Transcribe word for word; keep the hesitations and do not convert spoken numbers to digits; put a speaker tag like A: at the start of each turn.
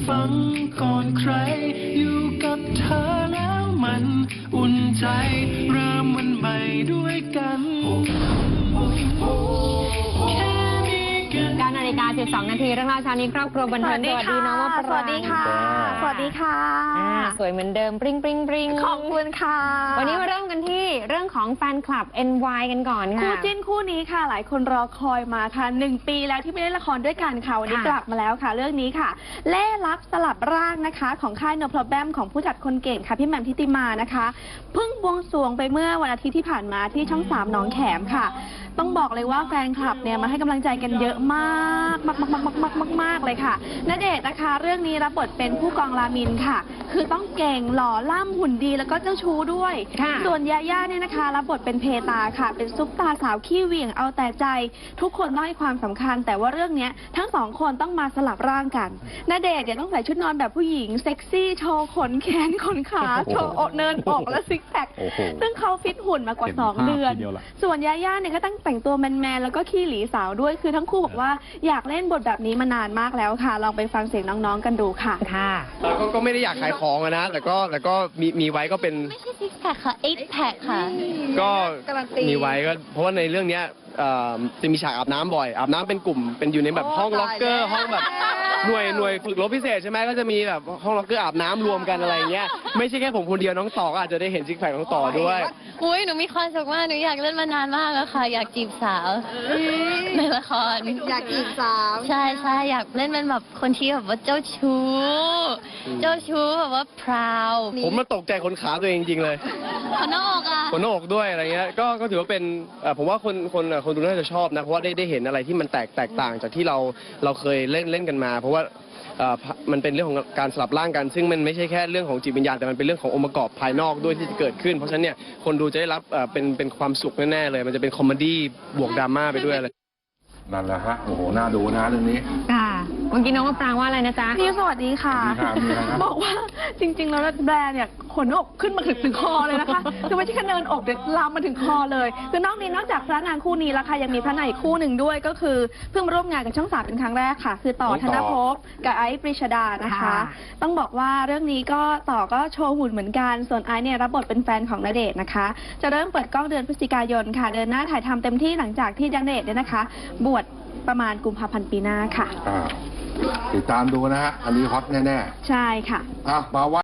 A: ฟังก่อนใครอยู่กับเธอแล้วมันอุ่นใจเริ่มวันใหม่ด้วยกัน
B: เก้านาฬิกาสิบสองนาทีเรื่องราวเช้านี้ครอบครัวบันเทิงสวัสดีน้องมะปราง
C: สวัสดีค่ะ สวัสดีค่ะ
B: สวยเหมือนเดิมปริ้งปริ้งปริ้ง
C: ขอบคุณค่ะ
B: วันนี้มาเริ่มกันที่เรื่องของแฟนคลับ เอ็น วาย กันก่อนค่ะ
C: คู่จิ้นคู่นี้ค่ะ หลายคนรอคอยมาค่ะหนึ่งปีแล้วที่ไม่ได้ละครด้วยกันค่ะวันนี้
B: ค่ะ
C: กลับมาแล้วค่ะ เรื่องนี้ค่ะ เล่ลับสลับร่างนะคะ ของค่ายโนพลแบมของผู้จัดคนเก่งค่ะพี่แหม่มทิติมานะคะเพิ่งบวงสรวงไปเมื่อวันอาทิตย์ที่ผ่านมาที่ช่องสามหนองแขมค่ะ ต้องบอกเลยว่าแฟนคลับเนี่ยมาให้กำลังใจกันเยอะมากมากมากมากมากมากมากเลยค่ะณเดชน์นะคะ เรื่องนี้รับบทเป็นผู้กองรามินค่ะ คือต้องเก่งหล่อล่ำหุ่นดีแล้วก็เจ้าชู้ด้วย
B: ค่ะ
C: ส่วนยาย่าเนี่ยนะคะรับบทเป็นเพตาค่ะ เป็นซุปตาสาวขี้เหวี่ยงเอาแต่ใจ ทุกคนต้องให้ความสำคัญ แต่ว่าเรื่องเนี้ยทั้งสองคนต้องมาสลับร่างกันณเดชน์เนี่ยต้องใส่ชุดนอนแบบผู้หญิงเซ็กซี่โชว์ขนแขนขนขาโชว์อกเนินอกและซิกแพคซึ่งเขาฟิตหุ่นมากว่าสองเดือน ส่วนยาย่าเนี่ยก็ต้องแต่งตัวแมนๆแล้วก็ขี้หลีสาวด้วยคือทั้งคู่บอกว่าอยากเล่นบทแบบนี้มานานมากแล้วค่ะลองไปฟังเสียงน้องๆกันดูค่ะ
B: ค่ะ
D: ก็ก็ไม่ได้อยากขายของอะนะ แต่ก็แต่ก็มีมีไว้ก็เป็น
E: ไม่ใช่ซิกแพคค่ะ เอ็กแพคค่ะ
D: ก็มีไว้ก็เพราะว่าในเรื่องเนี้ยเอ่อจะมีฉากอาบน้ำบ่อย อาบน้ำเป็นกลุ่มเป็นอยู่ในแบบห้องล็อกเกอร์ห้องแบบหน่วยหน่วยฝึกรบพิเศษใช่ไหมก็จะมีแบบห้องล็อกเกอร์อาบน้ำรวมกันอะไรเงี้ยไม่ใช่แค่ผมคนเดียวน้องต่อก็อาจจะได้เห็นซิกแพคน้องต่อด้วย
E: อุ้ยหนูมีความสุขมาก หนูอยากเล่นมานานมากแล้วค่ะ อยากจีบสาว ในละคร
C: อยากจีบสาว
E: ใช่ใช่อยากเล่นเป็นแบบคนที่แบบว่าเจ้าชู้ เจ้าชู้แบบว่าพราว
D: ผมมาตกใจขนขาตัวเองจริงๆเลย
E: คนนอกอ่ะ
D: ขนหน้าอกด้วยอะไรเงี้ยก็ก็ถือว่าเป็นเอ่อผมว่าคนคนคนดูน่าจะชอบนะเพราะว่าได้ได้เห็นอะไรที่มันแตกแตกต่างจากที่เราเราเคยเล่นเล่นกันมา เพราะว่าเอ่อมันเป็นเรื่องของการสลับร่างกัน ซึ่งมันไม่ใช่แค่เรื่องของจิตวิญญาณแต่มันเป็นเรื่องขององค์ประกอบภายนอกด้วยที่จะเกิดขึ้น เพราะฉะนั้นเนี่ยคนดูจะได้รับเอ่อเป็นเป็นความสุขแน่ๆเลย มันจะเป็นคอมเมดี้บวกดราม่าไปด้วยเลย
F: นั่นแหละฮะ โอ้โห น่าดูนะเรื่องนี้
B: ค่ะเมื่อกี้น้องมะปรางว่าอะไรนะจ๊ะ
C: พี่สวัสดีค่ะ
F: สวัสดีครับ
C: บอกว่าจริงๆแล้วแบรนด์เนี่ยขนอกขึ้นมาถึงถึงคอเลยนะคะ คือไม่ใช่แค่เนินอกเด็ดลามมาถึงคอเลยคือนอกนี้นอกจากพระนางคู่นี้แล้วค่ะยังมีพระนางอีกคู่หนึ่งด้วยก็คือเพิ่งมาร่วมงานกับช่องสามเป็นครั้งแรกค่ะ คือต่อ
F: น้อง
C: ธ
F: ต่อ
C: นภพกับไอซ์ปริชดานะคะ
B: ค่ะ
C: ต้องบอกว่าเรื่องนี้ก็ต่อก็โชว์หุ่นเหมือนกันส่วนไอซ์เนี่ยรับบทเป็นแฟนของณเดชน์นะคะ จะเริ่มเปิดกล้องเดือนพฤศจิกายนค่ะ เดินหน้าถ่ายทำเต็มที่หลังจากที่ณเดชน์เนี่ยนะคะ บวชประมาณกุมภาพันธ์ปีหน้าค่ะ
F: อ่าติดตามดูนะฮะ อันนี้ฮอตแน่
C: ใช่ค่ะ
F: ๆอ่ะมาว่า